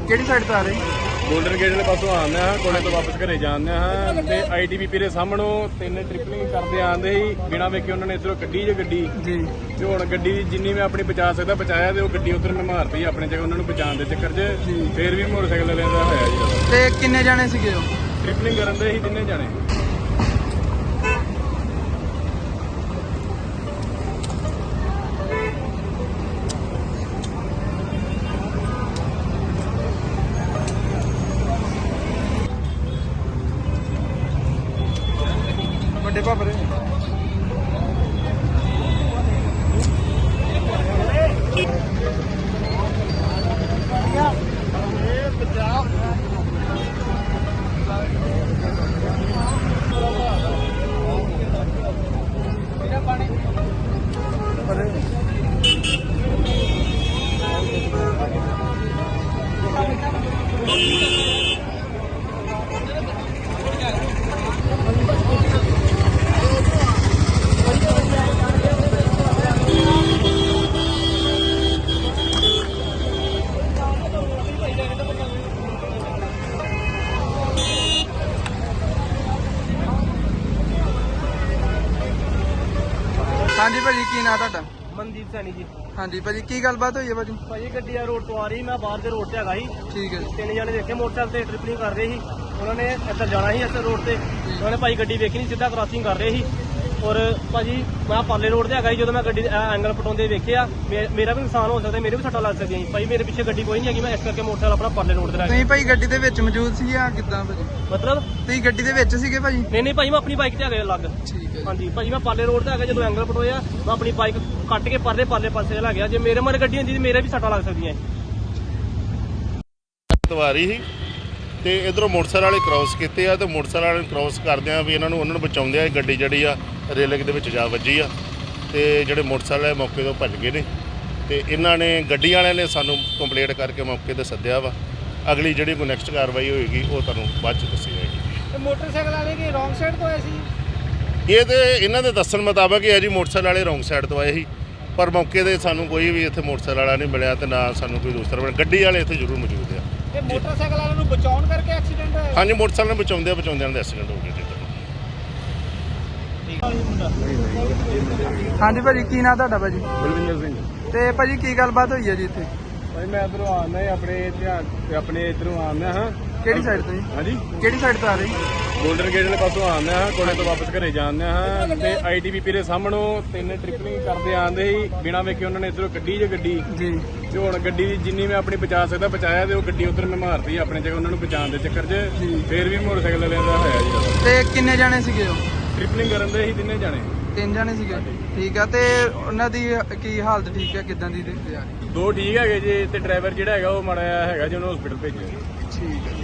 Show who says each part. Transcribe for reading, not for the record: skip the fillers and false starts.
Speaker 1: ਕਿਹੜੀ ਸਾਈਡ ਤੋਂ ਆ ਰਹੇ?
Speaker 2: ਗੋਲਡਨ ਗੇਟ ਵਾਲੇ ਪਾਸੋਂ ਆਉਂਦੇ ਹਾਂ, ਕੋਲੇ ਤੋਂ ਵਾਪਸ ਘਰੇ ਜਾਂਦੇ ਹਾਂ ਤੇ ITBP ਦੇ ਸਾਹਮਣੋਂ 3 ਟ੍ਰਿਪਲਿੰਗ ਕਰਦੇ ਆਉਂਦੇ ਸੀ ਬਿਨਾਂ ਵੇਖੇ ਉਹਨਾਂ ਨੇ ਇੱਧਰੋਂ ਕੱਢੀ ਜੇ ਗੱਡੀ
Speaker 1: ਜੀ।
Speaker 2: ਤੇ ਹੁਣ ਗੱਡੀ ਦੀ ਜਿੰਨੀ ਮੈਂ ਆਪਣੀ ਬਚਾ ਸਕਦਾ ਬਚਾਇਆ ਤੇ ਉਹ ਗੱਡੀ ਉਧਰ ਮੈਂ ਮਾਰਤੀ ਆਪਣੇ ਜਗ੍ਹਾ ਉਹਨਾਂ ਨੂੰ ਬਚਾਉਣ ਦੇ ਚੱਕਰ 'ਚ ਫੇਰ ਵੀ ਮੋਟਰਸਾਈਕਲ ਵਾਲਿਆਂ ਦਾ ਹੋਇਆ ਜੀ।
Speaker 1: ਤੇ ਕਿੰਨੇ ਜਾਣੇ ਸੀਗੇ ਉਹ?
Speaker 2: ਟ੍ਰਿਪਲਿੰਗ ਕਰਨ ਦੇ ਸੀ 3 ਜਾਣੇ।
Speaker 1: ਵੱਡੇ ਭਾਪਰੇ ਹਾਂਜੀ ਭਾਜੀ, ਕੀ ਨਾਂ ਤੁਹਾਡਾ?
Speaker 3: ਮਨਦੀਪ ਸੈਣੀ ਜੀ।
Speaker 1: ਹਾਂਜੀ ਭਾਜੀ, ਕੀ ਗੱਲਬਾਤ ਹੋਈ ਹੈ ਭਾਜੀ?
Speaker 3: ਭਾਜੀ ਗੱਡੀ ਆ ਰੋਡ ਤੋਂ ਆ ਰਹੀ, ਮੈਂ ਬਾਹਰ ਦੇ ਰੋਡ ਤੇ ਹੈਗਾ ਸੀ।
Speaker 1: ਠੀਕ ਹੈ।
Speaker 3: 3 ਜਣੇ ਦੇਖੇ ਮੋਟਰਸਾਈਕਲ ਤੇ ਟ੍ਰਿਪਲਿੰਗ ਕਰ ਰਹੇ ਸੀ। ਉਹਨਾਂ ਨੇ ਇੱਧਰ ਜਾਣਾ ਸੀ ਇੱਧਰ ਰੋਡ ਤੇ, ਉਹਨਾਂ ਨੇ ਭਾਈ ਗੱਡੀ ਵੇਖੀ ਨਹੀਂ, ਸਿੱਧਾ ਕ੍ਰਾਸਿੰਗ ਕਰ ਰਹੇ ਸੀ। ਔਰ ਭਾਜੀ ਮੈਂ ਪਾਲੇ ਰੋਡ ਤੇ ਹੈਗਾ ਸੀ, ਜਦੋਂ ਮੈਂ ਗੱਡੀ ਐਂਗਲ ਪਟਾਉਂਦੇ ਵੇਖਿਆ ਮੇਰਾ ਵੀ ਨੁਕਸਾਨ ਹੋ ਸਕਦਾ, ਮੇਰੇ ਵੀ ਸੱਟਾਂ ਲੱਗ ਸਕਦੀਆਂ ਸੀ। ਭਾਈ ਮੇਰੇ ਪਿੱਛੇ ਗੱਡੀ ਕੋਈ ਨਹੀਂ ਹੈਗੀ, ਮੈਂ ਇਸ ਕਰਕੇ ਮੋਟਰਸਾਈਕਲ ਆਪਣਾ ਪਾਲੇ ਰੋਡ ਤੇ ਲੈ ਗਿਆ।
Speaker 1: ਤੁਸੀਂ ਭਾਈ ਗੱਡੀ ਦੇ ਵਿੱਚ ਮੌਜੂਦ ਸੀ ਜਾਂ ਕਿੱਦਾਂ ਭਾਜੀ?
Speaker 3: ਮਤਲਬ
Speaker 1: ਤੁਸੀਂ ਗੱਡੀ ਦੇ ਵਿੱਚ ਸੀਗੇ ਭਾਜੀ?
Speaker 3: ਨਹੀਂ ਭਾਈ, ਮੈਂ ਆਪਣੀ ਬਾਈਕ ਤੇ ਹੈਗਾ ਅਲੱਗ।
Speaker 1: ਠੀਕ ਹੈ।
Speaker 3: ਹਾਂਜੀ ਭਾਜੀ, ਮੈਂ ਪਾਲੇ ਰੋਡ ਤੇ ਹੈਗਾ, ਜਦੋਂ ਐਂਗਲ ਪਟੋਇਆ ਮੈਂ ਆਪਣੀ ਬਾਈਕ ਕੱਟ ਕੇ ਪਾਲੇ ਪਾਸੇ ਲੈ ਗਿਆ। ਜੇ ਮੇਰੇ ਮਰ ਗੱਡੀ ਹੁੰਦੀ ਮੇਰੇ ਵੀ ਸੱਟਾਂ ਲੱਗ ਸਕਦੀਆਂ।
Speaker 4: ਸਵਾਰੀ ਸੀ ਤੇ ਇਧਰੋਂ ਮੋਟਰਸਾਈਕਲ ਵਾਲੇ ਕ੍ਰਾਸ ਕੀਤੇ ਆ ਤੇ ਮੋਟਰਸਾਈਕਲ ਵਾਲੇ ਕ੍ਰਾਸ ਕਰਦਿਆਂ ਵੀ ਉਹਨਾਂ ਨੂੰ ਬਚਾਉਂਦੇ ਆ ਗੱਡੀ ਜਿਹੜੀ ਆ ਰੇਲਿੰਗ ਦੇ ਵਿੱਚ ਜਾ ਵੱਜੀ ਆ ਤੇ ਜਿਹੜੇ ਮੋਟਰਸਾਈਕਲ ਵਾਲੇ ਮੌਕੇ ਤੋਂ ਭੱਜ ਗਏ ਨੇ ਤੇ ਇਹਨਾਂ ਨੇ ਗੱਡੀ ਵਾਲਿਆਂ ਨੇ ਸਾਨੂੰ ਕੰਪਲੇਂਟ ਕਰਕੇ ਮੌਕੇ ਤੇ ਸੱਦਿਆ ਵਾ। ਅਗਲੀ ਜਿਹੜੀ ਕੋਈ ਨੈਕਸਟ ਕਾਰਵਾਈ ਹੋਏਗੀ ਉਹ ਤੁਹਾਨੂੰ ਬਾਅਦ ਚ ਦੱਸੀ ਜਾਏਗੀ।
Speaker 3: ਤੇ ਮੋਟਰਸਾਈਕਲ ਵਾਲੇ ਕੀ ਰੋਂਗ ਸਾਈਡ ਤੋਂ ਆਏ ਸੀ?
Speaker 4: ਇਹ ਤੇ ਇਹਨਾਂ ਦੇ ਦੱਸਣ ਮੁਤਾਬਕ ਇਹ ਹੈ ਜੀ, ਮੋਟਰਸਾਈਕਲ ਵਾਲੇ ਰੋਂਗ ਸਾਈਡ ਤੋਂ ਆਏ ਸੀ ਪਰ ਮੌਕੇ ਤੇ ਸਾਨੂੰ ਕੋਈ ਵੀ ਇੱਥੇ ਮੋਟਰਸਾਈਕਲ ਵਾਲਾ ਨਹੀਂ ਮਿਲਿਆ ਤੇ ਨਾ ਸਾਨੂੰ ਕੋਈ ਦੂਸਰਾ ਮਿਲਿਆ। ਗੱਡੀ ਵਾਲੇ ਇੱਥੇ ਜ਼ਰੂਰ ਮੌਜੂਦ ਆ।
Speaker 3: ਇਹ ਮੋਟਰਸਾਈਕਲ ਵਾਲਿਆਂ ਨੂੰ ਬਚਾਉਣ ਕਰਕੇ ਐਕਸੀਡੈਂਟ ਹੋਇਆ?
Speaker 4: ਹਾਂਜੀ, ਮੋਟਰਸਾਈਕਲ ਨੂੰ ਬਚਾਉਂਦਿਆਂ ਦਾ ਐਕਸੀਡੈਂਟ ਹੋ ਗਿਆ ਜੀ।
Speaker 1: ਹਾਂਜੀ ਭਾਜੀ, ਕੀ ਨਾਂ ਤੁਹਾਡਾ ਭਾਜੀ?
Speaker 2: ਬਲਵਿੰਦਰ ਸਿੰਘ।
Speaker 1: ਤੇ ਭਾਜੀ ਕੀ ਗੱਲਬਾਤ ਹੋਈ ਹੈ ਜੀ ਇੱਥੇ?
Speaker 2: ਭਾਈ ਮੈਂ ਇੱਧਰੋਂ ਆਉਂਦਾ ਆਪਣੇ ਇੱਧਰੋਂ ਆਉਂਦਾ ਹਾਂ।
Speaker 1: ਕਿਹੜੀ ਸਾਈਡ ਤੋਂ ਜੀ?
Speaker 2: ਹਾਂਜੀ,
Speaker 1: ਕਿਹੜੀ ਸਾਈਡ ਤੋਂ ਆ ਰਹੇ?
Speaker 2: ਗੋਲਡਨ ਗੇਟ ਵਾਲੇ ਪਾਸੋਂ ਆਉਂਦੇ ਹਾਂ, ਕੋਲੇ ਤੋਂ ਵਾਪਸ ਘਰੇ ਜਾਂਦੇ ਹਾਂ ਤੇ ITBP ਦੇ ਸਾਹਮਣੋਂ 3 ਟ੍ਰਿਪਲਿੰਗ ਕਰਦੇ ਆਉਂਦੇ ਸੀ ਬਿਨਾਂ ਵੇਖੇ ਉਹਨਾਂ ਨੇ ਇੱਧਰੋਂ ਕੱਢੀ ਜੇ ਗੱਡੀ
Speaker 1: ਜੀ।
Speaker 2: ਤੇ ਹੁਣ ਗੱਡੀ ਦੀ ਜਿੰਨੀ ਮੈਂ ਆਪਣੀ ਬਚਾ ਸਕਦਾ ਬਚਾਇਆ ਤੇ ਉਹ ਗੱਡੀ ਉਧਰ ਮੈਂ ਮਾਰਤੀ ਆਪਣੇ ਜਗ੍ਹਾ ਉਹਨਾਂ ਨੂੰ ਬਚਾਉਣ ਦੇ ਚੱਕਰ 'ਚ ਫੇਰ ਵੀ ਮੋਟਰਸਾਈਕਲ ਵਾਲਿਆਂ ਦਾ ਹੋਇਆ ਜੀ।
Speaker 1: ਤੇ ਕਿੰਨੇ ਜਾਣੇ ਸੀਗੇ ਉਹ?
Speaker 2: ਟ੍ਰਿਪਲਿੰਗ ਕਰਨ ਦੇ ਸੀ 3 ਜਾਣੇ।
Speaker 1: 3 ਜਾਣੇ ਸੀਗੇ। ਠੀਕ ਆ। ਤੇ ਉਹਨਾਂ ਦੀ ਕੀ ਹਾਲਤ ਠੀਕ ਹੈ, ਕਿੱਦਾਂ ਦੀ ਦੇਖਦੇ ਆ?
Speaker 2: 2 ਠੀਕ ਹੈਗੇ ਜੀ ਤੇ ਡਰਾਈਵਰ ਜਿਹੜਾ ਹੈਗਾ ਉਹ ਮਾੜਾ ਜਿਹਾ ਹੈਗਾ ਜੀ, ਉਹਨੂੰ ਹਸਪੀਟਲ ਭੇਜਿਆ।
Speaker 1: ਠੀਕ ਹੈ।